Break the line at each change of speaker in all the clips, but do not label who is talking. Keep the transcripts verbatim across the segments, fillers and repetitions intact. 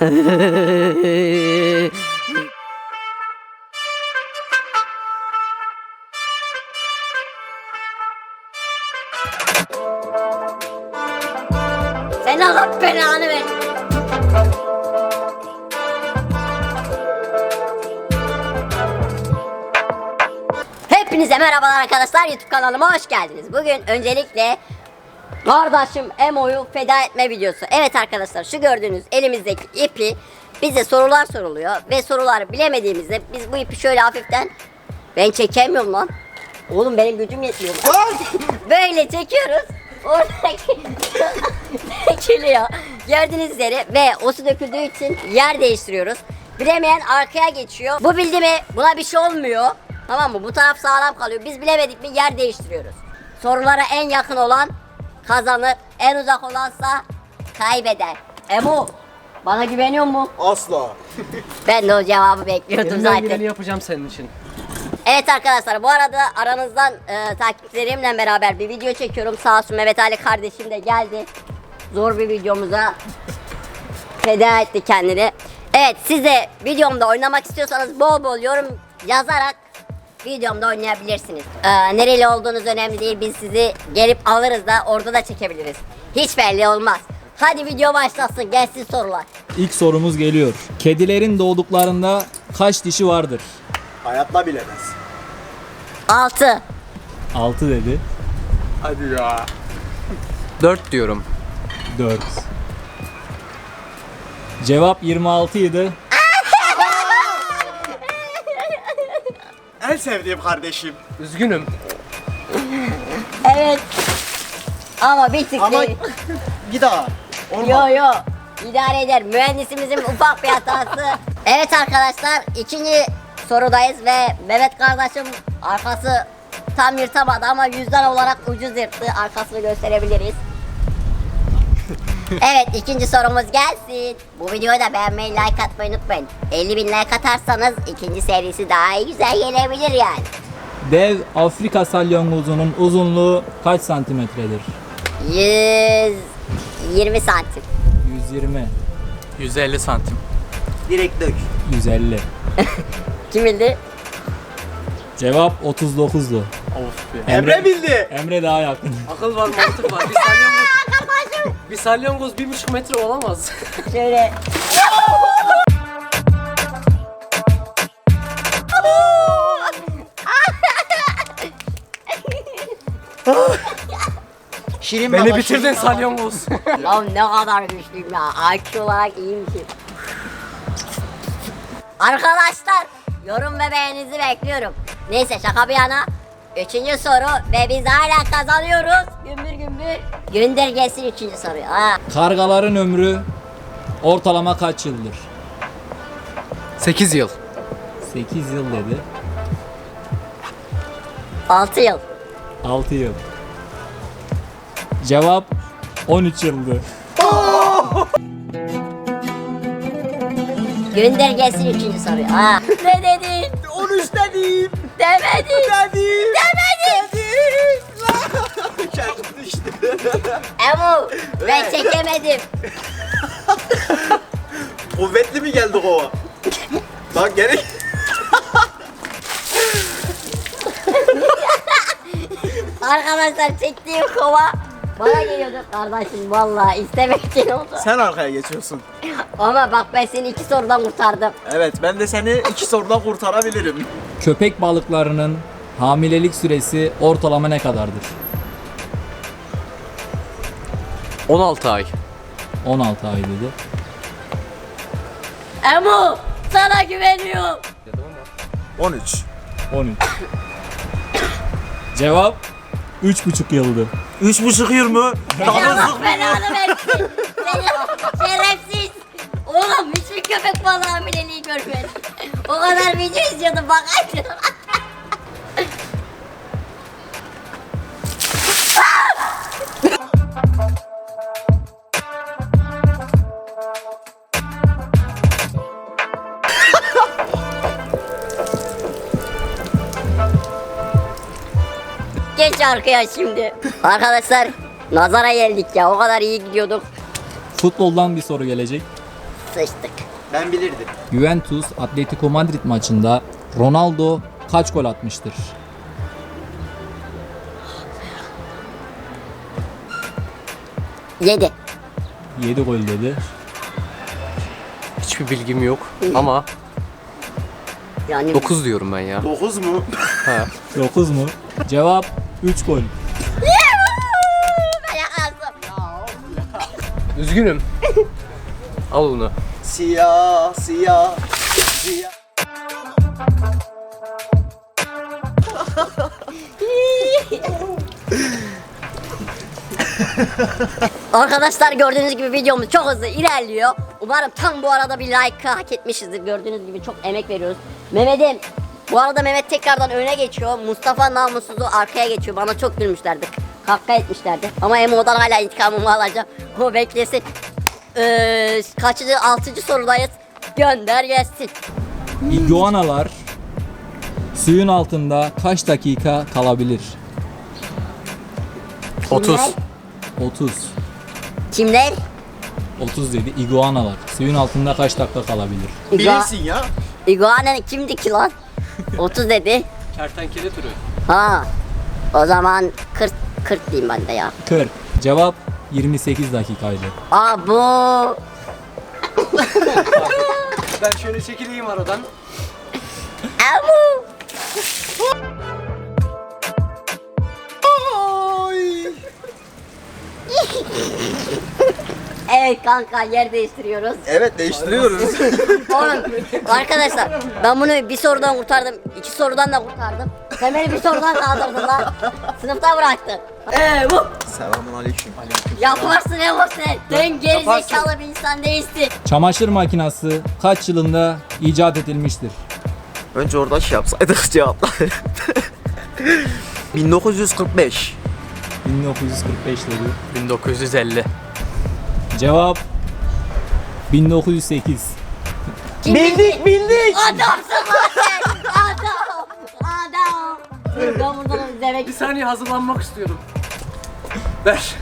Sen Allah belanı ver. Hepinize merhabalar arkadaşlar, YouTube kanalıma hoş geldiniz. Bugün öncelikle kardeşim Emo'yu feda etme videosu. Evet arkadaşlar, şu gördüğünüz elimizdeki ipi bize sorular soruluyor ve soruları bilemediğimizde biz bu ipi şöyle hafiften, ben çekemiyorum lan. Oğlum benim gücüm yetmiyor. Böyle çekiyoruz. Oradaki dökülüyor. Gördüğünüz üzere ve o su döküldüğü için yer değiştiriyoruz. Bilemeyen arkaya geçiyor. Bu bildi mi buna bir şey olmuyor. Tamam mı? Bu taraf sağlam kalıyor. Biz bilemedik mi yer değiştiriyoruz. Sorulara en yakın olan kazanır. En uzak olansa kaybeder. Emo, bana güveniyor musun?
Asla.
Ben de o cevabı bekliyordum
Elimden
zaten.
geleni yapacağım senin için.
Evet arkadaşlar, bu arada aranızdan e, takipçilerimle beraber bir video çekiyorum. Sağ olsun Mehmet Ali kardeşim de geldi. Zor bir videomuza feda etti kendini. Evet, siz de videomda oynamak istiyorsanız bol bol yorum yazarak videomda oynayabilirsiniz. Ee, nereli olduğunuz önemli değil. Biz sizi gelip alırız da orada da çekebiliriz. Hiç belli olmaz. Hadi video başlasın, gelsin sorular.
İlk sorumuz geliyor. Kedilerin doğduklarında kaç dişi vardır?
Hayatta bilemez.
altı.
altı dedi.
Hadi ya.
dört diyorum.
dört. Cevap yirmi altı idi.
En sevdiğim kardeşim.
Üzgünüm.
Evet. Ama bir tık
Ama
değil.
bir daha. Olmaz.
Yo yo. İdare eder. Mühendisimizin ufak bir hatası. Evet arkadaşlar, ikinci sorudayız ve Mehmet kardeşim arkası tam yırtamadı ama yüzden olarak ucuz yırttı. Arkasını gösterebiliriz. Evet, ikinci sorumuz gelsin. Bu videoyu da beğenmeyi, like atmayı unutmayın. elli bin like atarsanız ikinci serisi daha iyi güzel gelebilir yani.
Dev Afrika salyangozunun uzunluğu kaç santimetredir?
yüz yirmi santim.
yüz yirmi.
yüz elli santim.
Direkt dök.
yüz elli.
Kim bildi?
Cevap otuz dokuzdu.
Of be.
Emre bildi.
Emre daha yakın.
Akıl var, mantık var. Bir salyangoz, bir salyangoz bir buçuk metre olamaz.
Şöyle.
Şirin
Beni
baba,
bitirdin
Şirin baba.
salyangoz.
Lan ne kadar güçlüyüm ya. I Q olarak iyiymişim. Arkadaşlar, yorum ve beğeninizi bekliyorum. Neyse, şaka bir yana. Üçüncü soru ve biz hala kazanıyoruz. Gümbür gümbür. Gönder gelsin üçüncü soruyu. Ha.
Kargaların ömrü ortalama kaç yıldır?
sekiz yıl.
sekiz yıl dedi.
altı yıl.
altı yıl. Cevap on üç yıldı.
Gönder gelsin üçüncü soruyu. Ha. Ne dedin?
on üç dedim.
Demedin.
Dedim.
Demedin.
Dedim. Kendim düştü.
Emu, ben çekemedim.
Kuvvetli mi geldi kova? Bak gerek.
Arkadaşlar, çektiğim kova bana geliyordu kardeşim, vallahi istemek için oldu.
Sen arkaya geçiyorsun.
Ama bak, ben seni iki sorudan kurtardım.
Evet, ben de seni iki sorudan kurtarabilirim.
Köpek balıklarının hamilelik süresi ortalama ne kadardır?
on altı ay.
on altı ay dedi.
Emu, sana güveniyorum.
on üç.
on üç. Cevap üç buçuk yıldı.
üç buçuk yıl mı?
Allah belanı versin. Seni şerefsiz. Oğlum, hiçbir köpek balığı hamileliği görmedim. O kadar video izliyordum, bakaydın. Geç arkaya şimdi. Arkadaşlar, nazara geldik ya, o kadar iyi gidiyorduk.
Futboldan bir soru gelecek.
Sıçtık.
Ben bilirdim.
Juventus Atletico Madrid maçında Ronaldo kaç gol atmıştır?
Yedi.
yedi gol dedi.
Hiçbir bilgim yok ama
Yani
dokuz diyorum ben ya.
dokuz mu?
Ha.
dokuz mu? Cevap üç gol.
ben yazdım.
Üzgünüm. Al onu.
Siyah, siyah, siyah.
Arkadaşlar gördüğünüz gibi videomuz çok hızlı ilerliyor. Umarım tam bu arada bir like hak etmişizdir. Gördüğünüz gibi çok emek veriyoruz. Mehmet'im, bu arada Mehmet tekrardan öne geçiyor. Mustafa namussuzu arkaya geçiyor. Bana çok gülmüşlerdi. Kaka etmişlerdi. Ama Emo'dan hala intikamımı alacağım. O beklesin. Ee, kaçıncı? Altıncı sorudayız. Gönder gelsin.
İguanalar suyun altında kaç dakika kalabilir?
otuz.
otuz.
Kimler?
otuz dedi. İguanalar suyun altında kaç dakika kalabilir?
Bilirsin ya.
İguana kimdi ki lan? otuz dedi.
Kertenkele türü.
Ha. O zaman kırk kırk diyeyim ben de ya.
kırk. Cevap yirmi sekiz dakikaydı.
Aa bu.
Ben şöyle çekileyim aradan.
Amu. Evet kanka yer değiştiriyoruz.
Evet değiştiriyoruz.
Oğlum arkadaşlar ben bunu bir sorudan kurtardım. iki sorudan da kurtardım. Sen beni bir sorudan kaldırdın lan. Sınıfta bıraktın. Eee bu.
Selamun aleyküm.
Yaparsın Evo sen. Sen geri zekalı bir insan değilsin.
Çamaşır makinesi kaç yılında icat edilmiştir?
Önce orada şey yapsaydık cevapları. bin dokuz yüz kırk beş.
bin dokuz yüz kırk beş dedi.
bin dokuz yüz elli.
Cevap bin dokuz yüz sekiz.
Bildik bildik.
Adamsın lan sen. Adam. Adam. Dur ben buradan demek
Bir saniye hazırlanmak istiyorum. Ver.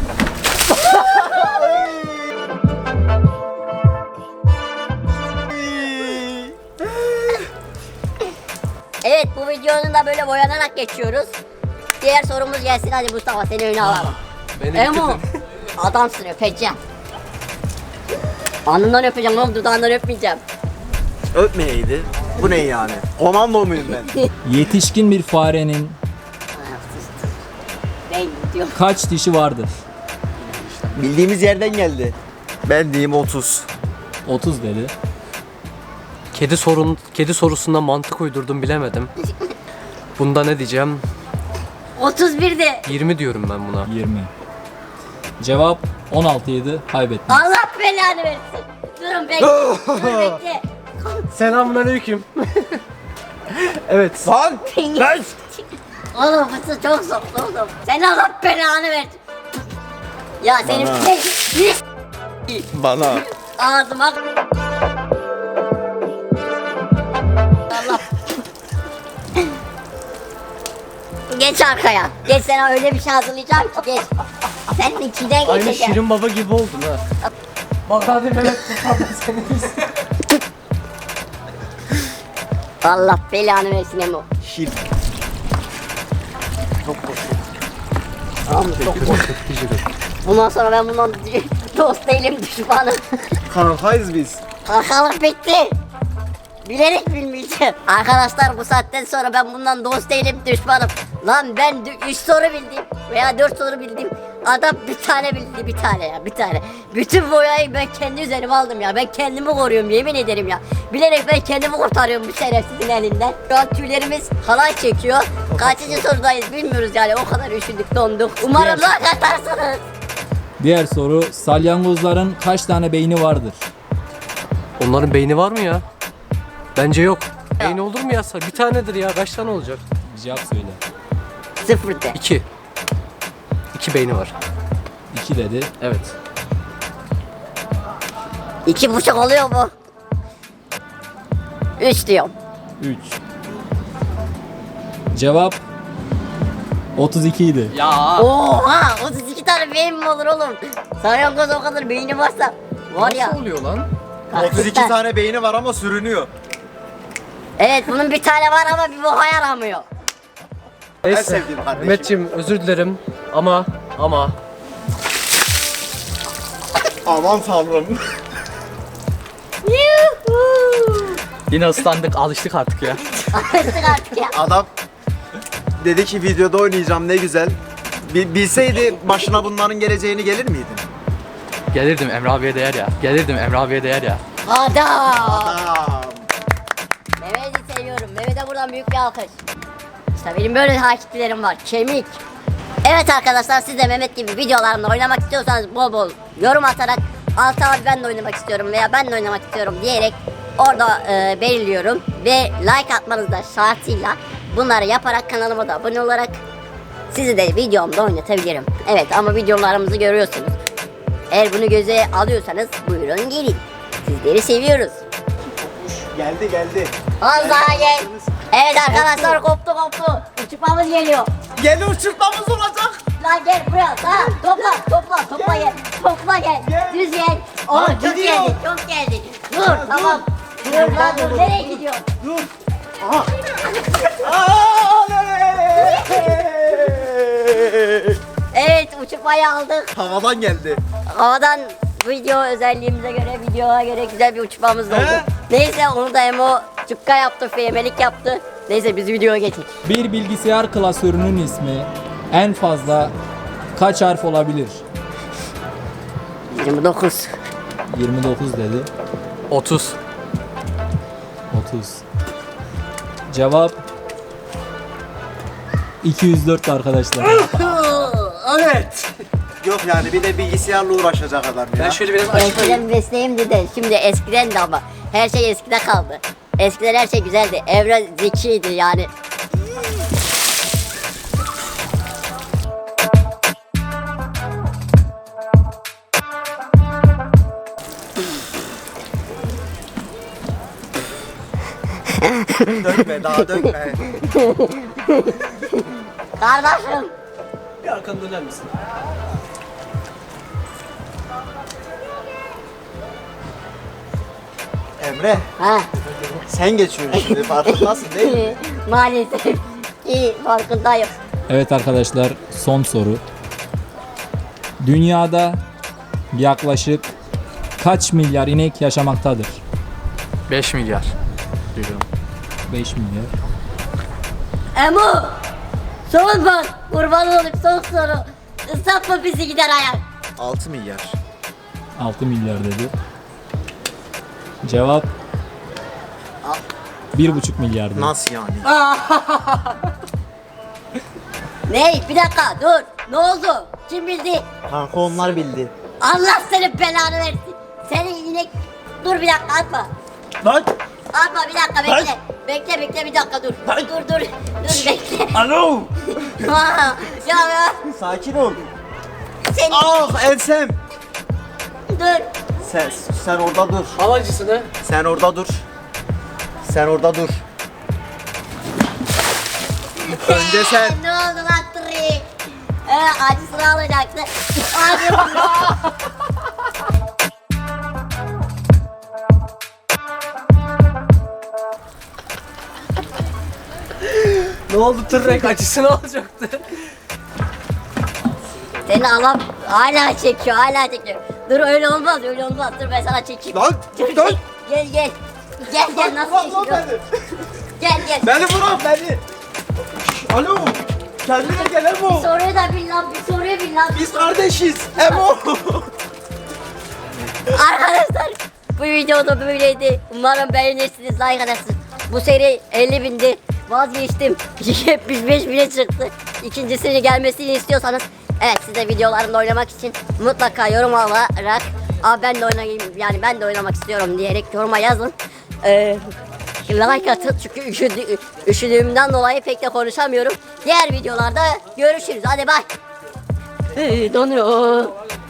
Evet bu videonun da böyle boyanarak geçiyoruz. Diğer sorumuz gelsin hadi Mustafa seni öne alalım.
Beni
Emo
bitirdin.
adamsın öpeceğim. Alnından öpeceğim oğlum dudağından öpmeyeceğim.
Öpmeyeydi. Bu ne yani? Komando muyum ben?
Yetişkin bir farenin
Ben gidiyorum.
kaç dişi vardır?
Bildiğimiz yerden geldi. Ben diyeyim otuz.
otuz dedi.
Kedi sorun kedi sorusunda mantık uydurdum bilemedim. Bunda ne diyeceğim?
otuz birde.
yirmi diyorum ben buna.
yirmi. Cevap on altı idi. Kaybettin.
Allah belanı versin. Durun bekle. Dur bekle.
Selamünaleyküm. Evet.
Lan! Lan!
Oğlum fısı çok soktu oğlum. Sen Allah belanı versin. Ya senin
Bana.
ne?
Bana.
Ağzıma. Allah. Geç arkaya. Geç sana öyle bir şey hazırlayacağım ki geç. Sen içinden
Aynı
geçeceksin.
Şirin Baba gibi oldun ha. Bak hadi Mehmet kurtardım seni.
Allah belanı versin Emo.
Şir.
Tamam çok Bundan sonra ben bundan dost değilim düşmanım.
Kankayız biz.
Kalkalık bitti. Bilerek bilmeyeceğim. Arkadaşlar bu saatten sonra ben bundan dost değilim düşmanım. Lan ben üç soru bildim veya dört soru bildim. Adam bir tane bildi bir tane ya bir tane. Bütün boyayı ben kendi üzerime aldım ya. Ben kendimi koruyorum yemin ederim ya. Bilerek ben kendimi kurtarıyorum bu şerefsizin elinden. Şu an tüylerimiz halay çekiyor. Kaçıncı sorudayız bilmiyoruz yani o kadar üşüdük donduk. Umarım like atarsınız.
Diğer soru salyangozların kaç tane beyni vardır?
Onların beyni var mı ya? Bence yok. Beyni olur mu ya? Bir tanedir ya. Kaç tane olacak?
Bir cevap söyle.
Sıfır de.
İki. İki beyni var.
iki dedi.
Evet.
İki buçuk oluyor mu? Üç diyorum.
üç. Cevap otuz iki idi.
Ya.
Oha otuz iki tane beyin mi olur oğlum? Salyangoz o kadar beyni varsa var ya.
Nasıl oluyor lan?
otuz iki tane beyni var ama sürünüyor.
Evet bunun bir tane var ama bir boka yaramıyor.
Neyse.
sevdiğim kardeşim.
Mehmetciğim özür dilerim ama ama
Aman tanrım.
yine ıslandık, alıştık artık ya.
Alıştık artık ya.
Adam dedi ki videoda oynayacağım ne güzel. Bi- Bilseydi başına bunların geleceğini gelir miydin?
Gelirdim, Emre abiye değer ya. Gelirdim, Emre abiye değer ya.
Adam.
Adam.
Mehmet'i seviyorum. Mehmet'e buradan büyük bir alkış. İşte benim böyle takipçilerim var. Kemik. Evet arkadaşlar siz de Mehmet gibi videolarımda oynamak istiyorsanız bol bol yorum atarak Altı abi ben de oynamak istiyorum veya ben de oynamak istiyorum diyerek orada e, belirliyorum. Ve like atmanız da şartıyla bunları yaparak kanalıma da abone olarak sizi de videomda oynatabilirim. Evet ama videolarımızı görüyorsunuz. Eğer bunu göze alıyorsanız buyurun gelin. Sizleri seviyoruz.
Geldi geldi.
Az daha gel. Evet arkadaşlar koptu koptu. Uçurmamız geliyor.
Gel uçurtmamız olacak.
Lan gel buraya. Lan topla topla topla gel. Topla gel. Düz gel. Oo
Lan
çok
gidiyor.
geldi çok geldi. Dur tamam. Dur lan dur. Nereye gidiyor?
Dur. Aha. Aa,
Evet uçurmayı aldık.
Havadan geldi.
Havadan video özelliğimize göre videoya göre güzel bir uçmamız oldu.
He?
Neyse onu da Emo cukka yaptı, feyemelik yaptı. Neyse biz videoya geçelim.
Bir bilgisayar klasörünün ismi en fazla kaç harf olabilir?
yirmi dokuz.
yirmi dokuz dedi.
otuz.
otuz. Cevap iki yüz dört arkadaşlar.
Evet.
Yok yani bir de bilgisayarla uğraşacak adam ya.
Ben şöyle biraz açayım.
Eskiden mesleğimdi de şimdi eskiden de ama her şey eskide kaldı. Eskiden her şey güzeldi. Evren zekiydi yani.
Dökme daha dökme.
Kardeşim.
Bir arkanı döner misin?
Emre
Ha.
sen geçiyorsun şimdi farkındasın değil mi?
Maalesef ki farkındayım.
Evet arkadaşlar, son soru. Dünyada yaklaşık kaç milyar inek yaşamaktadır?
beş milyar diyorum.
beş milyar.
Emo. Son bak. Kurban olup son soru. Islatma bizi gider ayak.
altı milyar.
altı milyar dedi. Cevap bir buçuk milyar dedi.
Nasıl yani?
Ne? Bir dakika dur. Ne oldu? Kim bildi?
Kanka onlar bildi.
Allah senin belanı versin. Senin inek... Dur bir dakika atma.
Lan!
Atma bir dakika bekle. Bekle bekle bir dakika dur. Dur dur dur. Dur bekle.
Alo!
ya ya.
Sakin ol.
Senin...
Ah ensem!
Dur.
Sen, sen orada dur.
Al acısını.
Sen orada dur. Sen orada dur. Önce sen.
Ne oldu lan Tri? Ee, acısını alacaktı. Hadi bakalım.
Ne oldu, tırrek acısını alacaktı.
Seni alam hala çekiyor hala çekiyor. Dur öyle olmaz öyle olmaz. Dur ben sana çekeyim.
Lan,
Dur,
dur.
Gel gel. Gel gel nasıl
Bırak lan
çekiyor?
beni.
Gel gel.
Beni bırak beni. Alo. Kendine gel
Bir
Emo.
soruyu da bil lan bir soruyu bil lan.
Biz kardeşiz. Emo.
Arkadaşlar bu videoda böyleydi. Umarım beğenirsiniz, like atarsınız. Bu seri elli bindi. Vazgeçtim. yetmiş beş bine çıktı. İkincisini gelmesini istiyorsanız evet size videolarımda oynamak için mutlaka yorum olarak Aa, ben de oynayayım yani ben de oynamak istiyorum diyerek yoruma yazın. Ee, like atın çünkü üşüdü, üşüdüğümden dolayı pek de konuşamıyorum. Diğer videolarda görüşürüz. Hadi bay. Ee, donuyor.